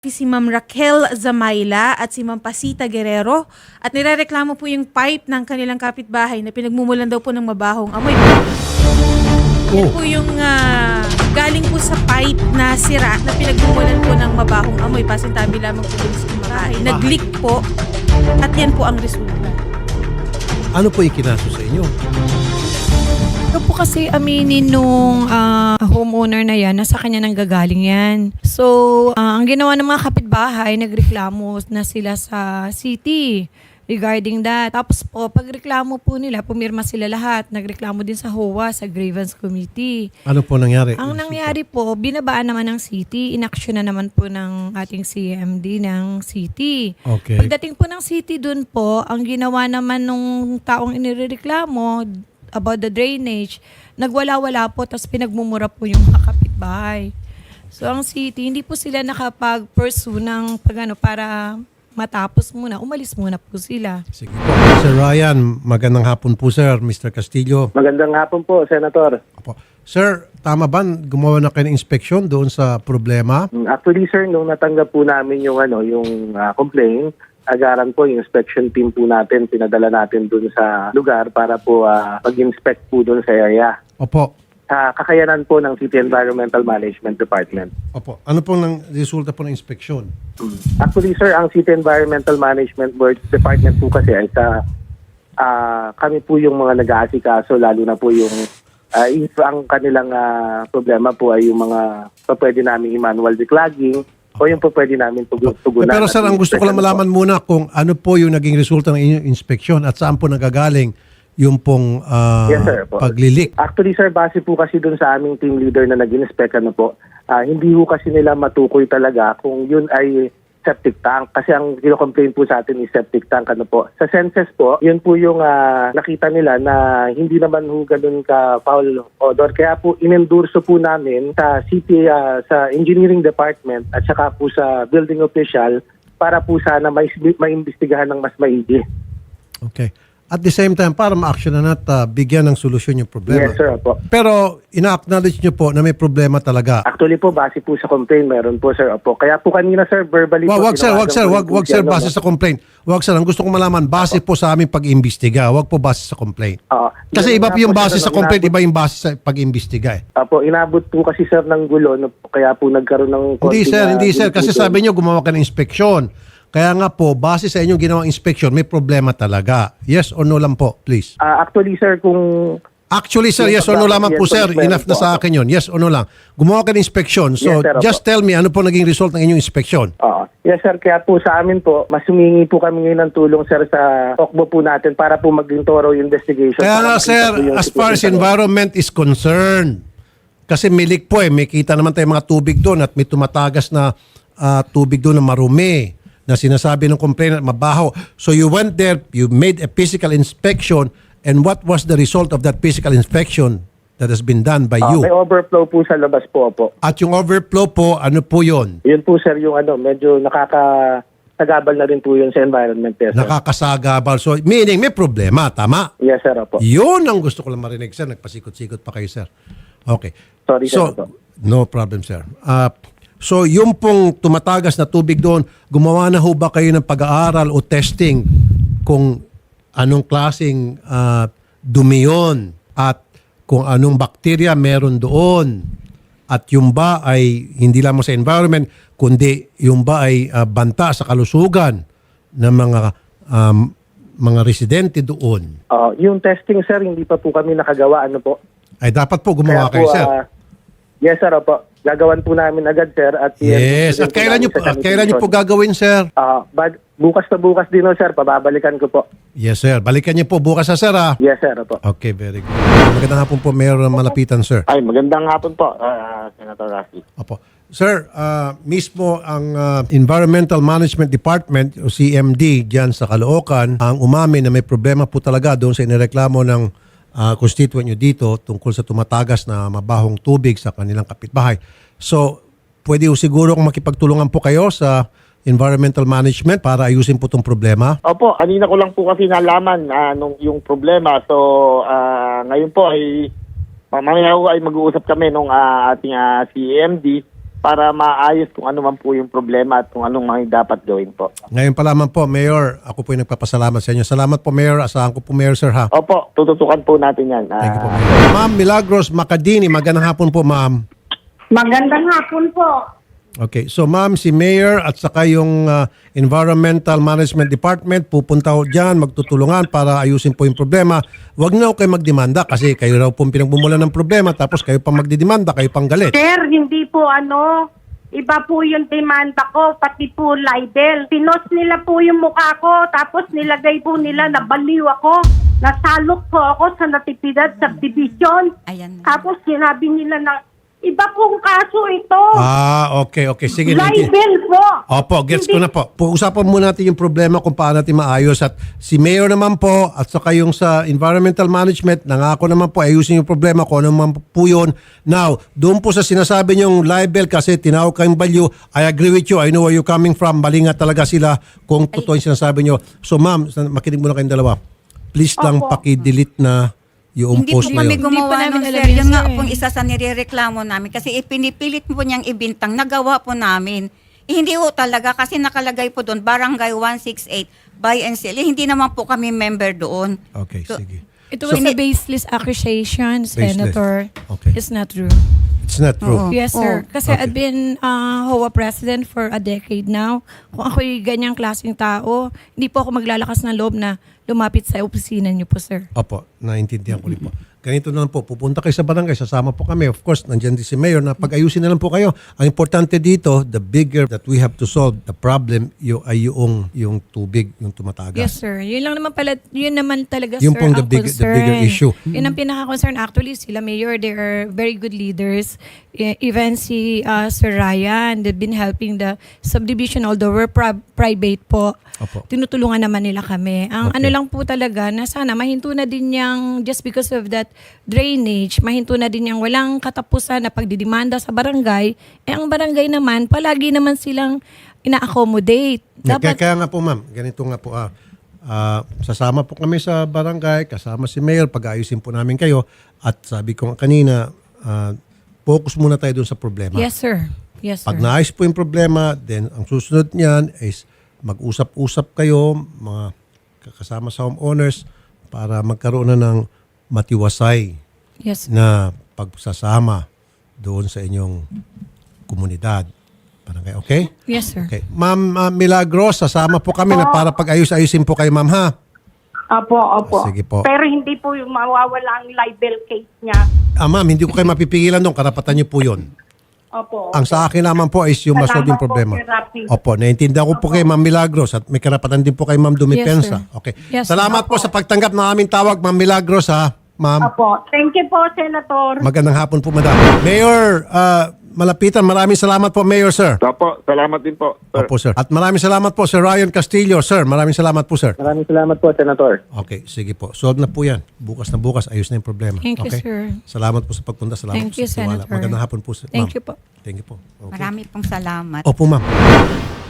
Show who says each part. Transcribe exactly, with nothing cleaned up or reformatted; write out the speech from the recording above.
Speaker 1: Si Ma'am Raquel Zamayla at si Ma'am Pasita Guerrero at nirereklamo po yung pipe ng kanilang kapitbahay na pinagmumulan daw po ng mabahong amoy. Yan
Speaker 2: Oh.
Speaker 1: po yung ah, galing po sa pipe na sira na pinagmumulan po ng mabahong amoy. Pasintabi lamang po dun sa bahay. Nag-leak po at yan po ang resulta.
Speaker 2: Ano po ikinaso sa inyo?
Speaker 3: Ito po kasi aminin nung ah, homeowner na yan, nasa kanya nang gagaling yan. So, ah, ang ginawa ng mga kapitbahay, nagreklamo na sila sa city regarding that. Tapos po, pagreklamo po nila, pumirma sila lahat. Nagreklamo din sa H O A, sa Grievance Committee.
Speaker 2: Ano po nangyari?
Speaker 3: Ang nangyari po, binabaan naman ng city, inaction na naman po ng ating C M D ng city.
Speaker 2: Okay.
Speaker 3: Pagdating po ng city dun po, ang ginawa naman nung taong inireklamo about the drainage, nagwala-wala po, tapos pinagmumura po yung mga kapitbahay. So ang city, hindi po sila nakapag-pursue ng pagano para matapos muna, umalis muna po sila.
Speaker 2: Sige po. Sir Ryan, magandang hapon po sir. Mister Castillo.
Speaker 4: Magandang hapon po, Senator.
Speaker 2: Opo. Sir, tama ba gumawa na kayo ng inspeksyon doon sa problema?
Speaker 4: Actually, sir, nung natanggap po namin yung ano, yung ah, complaint, agaran po yung inspection team po natin, pinadala natin dun sa lugar para po ah, mag-inspect po dun sa area.
Speaker 2: Opo.
Speaker 4: Sa kakayanan po ng City Environmental Management Department.
Speaker 2: Opo. Ano pong nang resulta po ng inspeksyon?
Speaker 4: Actually, sir, ang City Environmental Management Board Department po kasi ay sa ah, kami po yung mga nag-aasikaso, lalo na po yung ah, if ang kanilang ah, problema po ay yung mga pa pwede namin i-manual declogging o yung po pwede namin tug- tugunan.
Speaker 2: Pero sir, ang gusto ko lang malaman muna kung ano po yung naging resulta ng inyong inspeksyon at saan po nagagaling yung pong ah,
Speaker 4: Yes, sir, po.
Speaker 2: paglilik.
Speaker 4: Actually, sir, base po kasi dun sa aming team leader na nag-inspect, ano po, ah, hindi po kasi nila matukoy talaga kung yun ay septic tank. Kasi ang kino-complain po sa atin is septic tank, ano po. Sa census po, yun po yung ah, nakita nila na hindi naman ho ganun ka foul odor. Kaya po, inendurso po namin sa city, ah, sa engineering department at saka po sa building official para po sana may maimbestigahan ng mas maigi.
Speaker 2: Okay. At the same time, para ma-action na at ah, bigyan ng solusyon yung problema.
Speaker 4: Yes, sir, po.
Speaker 2: Pero ina-acknowledge nyo po na may problema talaga.
Speaker 4: Actually po, base po sa complaint, meron po, sir. Opo. Kaya po kanina, sir, verbally
Speaker 2: Wag,
Speaker 4: po.
Speaker 2: wag sir, wag
Speaker 4: tinawagan
Speaker 2: sir,
Speaker 4: ko
Speaker 2: wag,
Speaker 4: rin po
Speaker 2: wag
Speaker 4: siya,
Speaker 2: sir,
Speaker 4: no?
Speaker 2: base sa complaint. Wag sir, ang gusto kong malaman, base po sa aming pag-imbestiga, wag po base sa complaint.
Speaker 4: Oo.
Speaker 2: Kasi
Speaker 4: Yun
Speaker 2: iba
Speaker 4: nga
Speaker 2: po yung
Speaker 4: po,
Speaker 2: base
Speaker 4: sir,
Speaker 2: sa complaint,
Speaker 4: inabot-
Speaker 2: iba yung base sa pag-imbestiga eh.
Speaker 4: Opo, inabot po kasi, sir, ng gulo. No? Kaya po nagkaroon ng...
Speaker 2: Hindi
Speaker 4: konting,
Speaker 2: sir,
Speaker 4: ah,
Speaker 2: hindi sir, kasi
Speaker 4: disputation.
Speaker 2: sabi nyo gumawa ka ng inspeksyon. Kaya nga po, base sa inyong ginawang inspeksyon, may problema talaga. Yes or no lang po, please.
Speaker 4: Ah, actually, sir, kung...
Speaker 2: Actually, sir, yes or no lamang po, sir. Enough na sa akin yun. Yes or no lang. Gumawa ka ng inspeksyon. So,
Speaker 4: Yes, sir, opo.
Speaker 2: just tell me, ano po naging result ng inyong inspeksyon?
Speaker 4: Oo. Yes, sir. Kaya po sa amin po, mas humingi po kami ngayon ng tulong, sir, sa okbo po natin para po maging thorough investigation.
Speaker 2: Kaya nga,
Speaker 4: Para makita
Speaker 2: sir,
Speaker 4: po yung
Speaker 2: as far as
Speaker 4: situation.
Speaker 2: environment is concerned, kasi may leak po eh, may kita naman tayo mga tubig doon at may tumatagas na ah, tubig doon na marumi, na sinasabi ng complainant mabaho. So you went there, you made a physical inspection, and what was the result of that physical inspection that has been done by
Speaker 4: Ah,
Speaker 2: you?
Speaker 4: may overflow po sa labas po, po.
Speaker 2: At yung overflow po, ano po yun?
Speaker 4: Yun po, sir, yung ano, medyo nakakasagabal na rin po yun sa environment, eh, sir.
Speaker 2: Nakakasagabal. So meaning may problema, tama?
Speaker 4: Yes, sir, opo.
Speaker 2: Yun ang gusto ko lang marinig, sir. Nagpasikot-sikot pa kayo, sir. Okay.
Speaker 4: Sorry, sir,
Speaker 2: So,
Speaker 4: opo.
Speaker 2: no problem, sir. Uh, so, yung pong tumatagas na tubig doon, gumawa na ho ba kayo ng pag-aaral o testing kung anong klaseng ah, dumi yun at kung anong bakterya meron doon at yung ba ay hindi lamang sa environment kundi yung ba ay ah, banta sa kalusugan ng mga um, mga residente doon.
Speaker 4: Ah, yung testing, sir, hindi pa po kami nakagawa. Ano po?
Speaker 2: Ay dapat po gumawa
Speaker 4: Kaya
Speaker 2: kayo,
Speaker 4: po,
Speaker 2: sir.
Speaker 4: ah, yes, sir, opo. Gagawan po namin agad, sir. At
Speaker 2: Yes.
Speaker 4: i-send
Speaker 2: At
Speaker 4: po
Speaker 2: kailan
Speaker 4: namin
Speaker 2: nyo,
Speaker 4: sa
Speaker 2: at kailan nyo po
Speaker 4: sanitation.
Speaker 2: gagawin, sir?
Speaker 4: Ah, bad, bukas na bukas din, oh, sir. Pababalikan ko po.
Speaker 2: Yes, sir. Balikan niyo po bukas sa sir, ah.
Speaker 4: Yes, sir, opo.
Speaker 2: Okay, very good. Magandang hapon po, Mayor Malapitan, sir.
Speaker 5: Ay, magandang hapon po, ah, Senator Rafi.
Speaker 2: Opo. Sir, ah, mismo ang ah, Environmental Management Department o C M D diyan sa Caloocan ang umamin na may problema po talaga doon sa inireklamo ng ah, constituent nyo dito tungkol sa tumatagas na mabahong tubig sa kanilang kapitbahay. So, pwede ho siguro kung makipagtulungan po kayo sa environmental management para ayusin po itong problema.
Speaker 5: Opo, kanina ko lang po kasi nalaman ah, nung yung problema. So, ah, ngayon po ay mamaya po ay mag-uusap kami nung ah, ating ah, C M D para maayos kung ano man po yung problema at kung anong mga dapat gawin po.
Speaker 2: Ngayon pa lamang po, Mayor, ako po yung nagpapasalamat sa inyo. Salamat po, Mayor. Asahan ko po, Mayor, sir, ha?
Speaker 5: Opo, tututukan po natin yan.
Speaker 2: Thank you po,
Speaker 5: Ah,
Speaker 2: Mayor. Ma'am Milagros Macadini, magandang hapon po, ma'am.
Speaker 6: Magandang hapon po.
Speaker 2: Okay, so ma'am, si Mayor at saka yung uh, Environmental Management Department pupunta ho dyan, magtutulungan para ayusin po yung problema. Huwag na ho kayo magdemanda kasi kayo raw pong pinagmumulan ng problema tapos kayo pang magdidemanda, kayo pang galit.
Speaker 6: Sir, hindi po ano, iba po yung demanda ko, pati po libel. Pinos nila po yung mukha ko, tapos nilagay po nila na baliw ako. Nasalok po ako sa Natividad Subdivision.
Speaker 7: Ayan.
Speaker 6: Tapos sinabi nila na, iba pong kaso ito.
Speaker 2: Ah, okay, okay. Sige. Lindy.
Speaker 6: Libel po.
Speaker 2: Opo, gets ko
Speaker 6: Hindi-
Speaker 2: na po. Pag-usapan muna natin yung problema kung paano natin maayos. At si Mayor naman po at saka yung sa Environmental Management, nangako naman po ayusin yung problema kung ano naman po yun. Now, doon po sa sinasabi niyong libel kasi tinawag kayong balyo, I agree with you. I know where you're coming from. Mali nga talaga sila kung totoo yung sinasabi niyo. So ma'am, makinig muna kayong dalawa. Please lang
Speaker 6: Opo.
Speaker 2: paki-delete na yung
Speaker 7: Hindi po
Speaker 2: post na
Speaker 7: kami
Speaker 2: yun.
Speaker 3: Hindi pa
Speaker 7: gumawa
Speaker 3: namin
Speaker 7: nun,
Speaker 3: alam
Speaker 7: sir.
Speaker 3: yun,
Speaker 7: Yun nga
Speaker 3: sir, eh.
Speaker 7: pong isa sa nirereklamo namin kasi ipinipilit po niyang ibintang. Nagawa po namin. Eh, hindi po talaga kasi nakalagay po doon Barangay one sixty-eight by and sell. Eh, hindi naman po kami member doon.
Speaker 2: Okay,
Speaker 7: So,
Speaker 2: sige.
Speaker 3: It was a baseless accusation, Senator.
Speaker 2: Okay.
Speaker 3: It's not true.
Speaker 2: It's not true.
Speaker 7: Oo.
Speaker 3: Yes, sir. Kasi
Speaker 2: Okay.
Speaker 3: I've been uh, H O A president for a decade now. Kung ako'y ganyang klaseng tao, hindi po ako maglalakas ng loob na lumapit sa opisina niyo po, sir.
Speaker 2: Opo, naintindihan ko rin po. Ganito na lang po, pupunta kayo sa barangay, sasama po kami. Of course, nandiyan din si Mayor na pag-ayusin na lang po kayo. Ang importante dito, the bigger that we have to solve the problem, yung, ay yung, yung tubig, yung tumatagas.
Speaker 3: Yes, sir. Yun lang naman pala, yun naman talaga,
Speaker 2: Yung
Speaker 3: sir,
Speaker 2: pong the
Speaker 3: ang
Speaker 2: big- the
Speaker 3: concern.
Speaker 2: bigger issue.
Speaker 3: Yun ang pinaka-concern. Actually, sila Mayor, they are very good leaders. E- Even si uh, Sir Ryan, they've been helping the subdivision, although we're pri- private po.
Speaker 2: Opo.
Speaker 3: Tinutulungan naman nila kami. Ang
Speaker 2: Okay.
Speaker 3: ano lang po talaga, na sana mahinto na din yung, just because of that drainage, mahinto na din yung walang katapusan na pagdidemanda sa barangay. Eh, ang barangay naman, palagi naman silang ina-accommodate.
Speaker 2: Kaya,
Speaker 3: Dapat,
Speaker 2: kaya nga po ma'am, ganito nga po. Ah, Ah, sasama po kami sa barangay, kasama si Mayor, pag-ayusin po namin kayo. At sabi ko nga kanina, ah, focus muna tayo dun sa problema.
Speaker 3: yes, sir. Yes, sir.
Speaker 2: Pag naayos po yung problema, then ang susunod niyan is mag-usap-usap kayo, mga kasama sa homeowners, para magkaroon na ng matiwasay
Speaker 3: Yes, sir.
Speaker 2: na pagsasama doon sa inyong komunidad. Barangay, okay?
Speaker 3: Yes, sir.
Speaker 2: Okay. Ma'am ah, Milagros, sasama po kami na para pag-ayos-ayusin po kayo, ma'am, ha?
Speaker 6: Opo, opo.
Speaker 2: Sige po.
Speaker 6: Pero hindi po yung mawawala ang libel case niya.
Speaker 2: Ah, ma'am, hindi ko kayo mapipigilan doon. Karapatan niyo po yun.
Speaker 6: Opo.
Speaker 2: Ang sa akin naman po is yung
Speaker 6: Salamat
Speaker 2: masolve yung
Speaker 6: po,
Speaker 2: problema.
Speaker 6: Sir Rafi.
Speaker 2: Opo, naiintindihan ko po kay Ma'am Milagros at may karapatan din po kay Ma'am Dumipensa.
Speaker 3: Yes, sir.
Speaker 2: Okay.
Speaker 3: Yes, sir.
Speaker 2: Salamat po sa pagtanggap ng aming tawag, Ma'am Milagros, ha? Ma'am,
Speaker 6: Opo. Thank you po, Senator.
Speaker 2: magandang hapon po, Madam. Mayor, ah, Malapitan, maraming salamat po, Mayor, sir.
Speaker 5: Opo, salamat din po, sir.
Speaker 2: Opo, sir. At maraming salamat po, Sir Ryan Castillo, sir. Maraming salamat po, sir.
Speaker 4: Maraming salamat po, Senator.
Speaker 2: Okay, sige po. Solve na po yan. Bukas na bukas, ayos na yung problema.
Speaker 3: Thank you,
Speaker 2: okay?
Speaker 3: sir.
Speaker 2: Salamat po sa pagpunta. Salamat
Speaker 3: Thank
Speaker 2: po
Speaker 3: you,
Speaker 2: sa tiwala.
Speaker 3: Senator.
Speaker 2: Magandang hapon po, sir.
Speaker 3: Thank
Speaker 2: ma'am.
Speaker 3: you po.
Speaker 2: Thank you po. Okay.
Speaker 7: Marami pong salamat.
Speaker 2: Opo, ma'am.